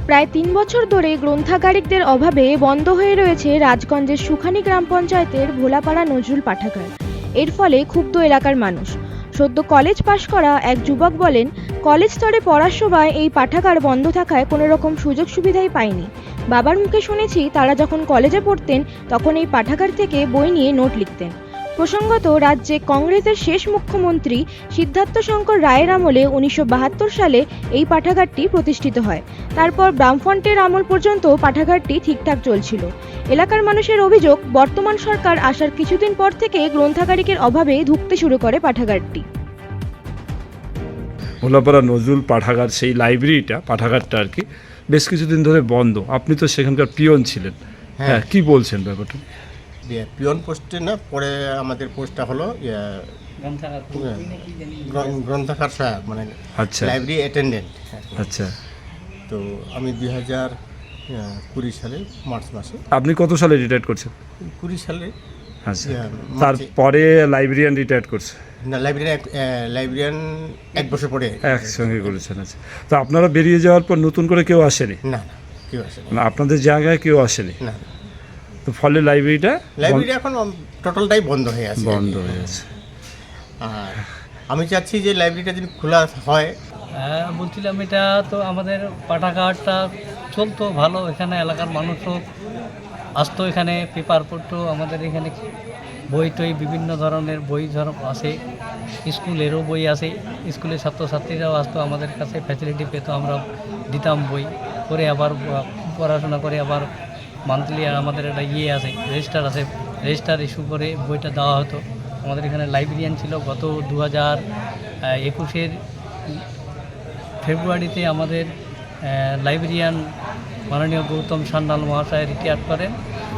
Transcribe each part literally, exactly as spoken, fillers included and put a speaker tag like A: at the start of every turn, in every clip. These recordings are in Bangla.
A: প্রায় তিন বছর ধরে গ্রন্থাগারিকদের অভাবে বন্ধ হয়ে রয়েছে রাজগঞ্জের সুখানী গ্রাম পঞ্চায়েতের ভোলাপাড়া নজরুল পাঠাগার। এর ফলে ক্ষুব্ধ এলাকার মানুষ। সদ্য কলেজ পাশ করা এক যুবক বলেন, কলেজ স্তরে পড়ার সময় এই পাঠাগার বন্ধ থাকায় কোনো রকম সুযোগ সুবিধাই পায়নি। বাবার মুখে শুনেছি তারা যখন কলেজে পড়তেন তখন এই পাঠাগার থেকে বই নিয়ে নোট লিখতেন। প্রসঙ্গত, রাজ্যে কংগ্রেসের শেষ মুখ্যমন্ত্রী সিদ্ধার্থ শঙ্কর রায়ের আমলে উনিশশো বাহাত্তর সালে এই পাঠাগারটি প্রতিষ্ঠিত হয়। তারপর বামফ্রন্টের আমল পর্যন্ত পাঠাগারটি ঠিকঠাক চলছিল। এলাকার মানুষের অভিযোগ, বর্তমান সরকার আসার কিছুদিন পর থেকে গ্রন্থাগারিকের অভাবে ধুঁকতে শুরু করে পাঠাগারটি।
B: ভোলাপাড়া নজরুল পাঠাগার, সেই লাইব্রেরিটা পাঠাগারটা আর কি বেশ কিছুদিন ধরে বন্ধ। আপনি তো সেখানকার পিয়ন ছিলেন, হ্যাঁ, কি বলছেন ব্যাপারটা?
C: পিয়ন পোস্টে না, পরে আমাদের পোস্টটা হলো গ্রন্থাগার সহায়ক, মানে
B: আচ্ছা,
C: লাইব্রেরি অ্যাটেন্ডেন্ট।
B: আচ্ছা,
C: তো আমি দুই হাজার কুড়ি সালে মার্চ মাসে।
B: আপনি কত সালে রিটায়ার করছেন?
C: কুড়ি সালে।
B: আচ্ছা, তারপরে লাইব্রেরিয়ান রিটায়ার করছে?
C: না, লাইব্রেরিয়ান লাইব্রেরিয়ান এক বছর পরে
B: একসঙ্গে করেছেন। আচ্ছা, তো আপনারা বেরিয়ে যাওয়ার পর নতুন করে কেউ আসেনি?
C: না, না, কেউ আসেনি।
B: না, আপনাদের জায়গায় কেউ আসেনি?
C: না।
B: তো ফলে লাইব্রেরিটা
C: লাইব্রেরি এখন টোটালটাই বন্ধ হয়ে আছে।
B: বন্ধ হয়ে আছে।
C: আর আমি চাচ্ছি যে লাইব্রেরিটা যদি খোলা হয়।
D: হ্যাঁ, বলছিলাম এটা তো আমাদের পাঠাগারটা চলতো ভালো, এখানে এলাকার মানুষও আসতো, এখানে পেপার পড়তো, আমাদের এখানে বই টই বিভিন্ন ধরনের বই ধর আসে, স্কুলেরও বই আসে, স্কুলের ছাত্রছাত্রীরাও আসতো আমাদের কাছে, ফ্যাসিলিটি পেতো, আমরা দিতাম বই করে, আবার পড়াশোনা করে আবার মান্থলি আমাদের একটা ইয়ে আছে, রেজিস্টার আছে, রেজিস্টার ইস্যু করে বইটা দেওয়া হতো। আমাদের এখানে লাইব্রেরিয়ান ছিল। গত দু হাজার একুশের ফেব্রুয়ারিতে আমাদের লাইব্রেরিয়ান মাননীয় গৌতম সান্যাল মহাশয় রিটায়ার করেন।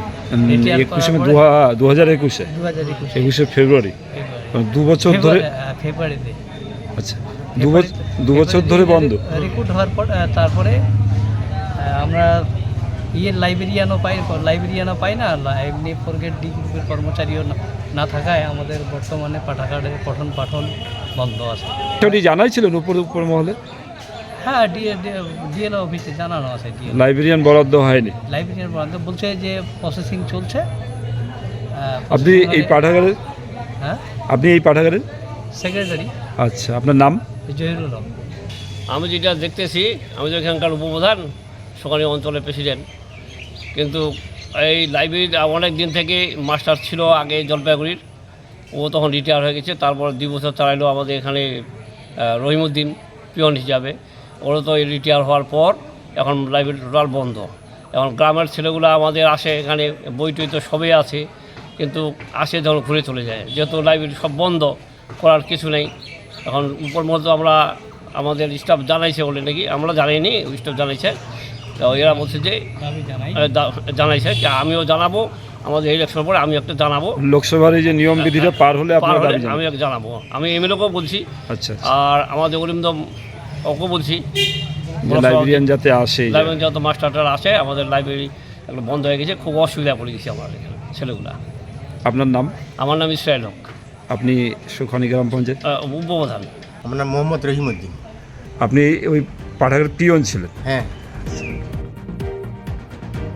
B: দু হাজার একুশে
D: দু হাজার একুশে
B: একুশে ফেব্রুয়ারি, দু বছর ধরে।
D: ফেব্রুয়ারিতে।
B: আচ্ছা, দু বছর ধরে বন্ধ।
D: রিক্রুট হওয়ার পর তারপরে আমরা ইয়ে লাইব্রেরিয়ানও পাই লাইব্রেরিয়ানও পাই না, এমনি ফোর গ্রেড ডি গ্রুপের কর্মচারীও না থাকায় আমাদের বর্তমানে পাঠাগারের পঠন পাঠন বন্ধ আছে।
B: সেটি জানাইছিলেন উপর উপর মহলে?
D: হ্যাঁ, ডিএলও অফিসে জানানো আছে।
B: লাইব্রেরিয়ান বরাদ্দ হয়নি?
D: লাইব্রেরিয়ান বরাদ্দ বলছে যে প্রসেসিং চলছে।
B: আপনি এই পাঠাগারের?
D: হ্যাঁ,
B: আপনি এই পাঠাগারের
D: সেক্রেটারি।
B: আচ্ছা, আপনার নাম?
D: জহিরুল হক।
E: আমি যেটা দেখতেছি, আমি তো এখানকার উপপ্রধান, সুখানী অঞ্চলের প্রেসিডেন্ট, কিন্তু এই লাইব্রেরির অনেক দিন থেকে মাস্টার ছিল আগে জলপাইগুড়ির, ও তখন রিটায়ার হয়ে গেছে। তারপর দুই বছর চালাইলো আমাদের এখানে রহিমউদ্দিন পিয়ন হিসাবে, ওরা তো রিটায়ার হওয়ার পর এখন লাইব্রেরি টোটাল বন্ধ। এখন গ্রামের ছেলেগুলো আমাদের আসে, এখানে বই টই তো সবই আছে, কিন্তু আসে যখন ঘুরে চলে যায়, যেহেতু লাইব্রেরি সব বন্ধ, করার কিছু নেই। এখন উপর মতো আমরা আমাদের স্টাফ জানাইছে বলে নাকি, আমরা জানাইনি, স্টাফ জানাইছে, তো এরা বলছে যে জানাইছে, আমিও জানাবো আমাদের ইলেকশন পরে, আমি একটা জানাবো
B: লোকসভার এই যে নিয়ম বিধিটা পার হলে
E: আমি একটা জানাবো, আমি এমএলএকেও বলছি।
B: আচ্ছা,
E: আর আমাদের অরিন্দম ওকে বলছি
B: লাইব্রেরিয়ান যাতে আসে,
E: লাইব্রেরিয়ান যাতে মাস্টারটা আসে। আমাদের লাইব্রেরি একটা বন্ধ হয়ে গেছে, খুব অসুবিধা পড়ে গেছে আমার এখানে ছেলেগুলা।
B: আপনার নাম?
E: আমার নাম ইসরায়েল হক।
B: আপনি সুখানী গ্রাম পঞ্চায়েত
E: উপপ্রধান?
C: আমার নাম মোহাম্মদ রহিমউদ্দিন।
B: আপনি ওই পাঠাগারের পিয়ন ছিলেন?
C: হ্যাঁ।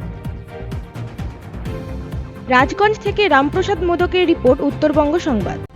A: রাজগঞ্জ থেকে রামপ্রসাদ মোদকের রিপোর্ট, উত্তরবঙ্গ সংবাদ।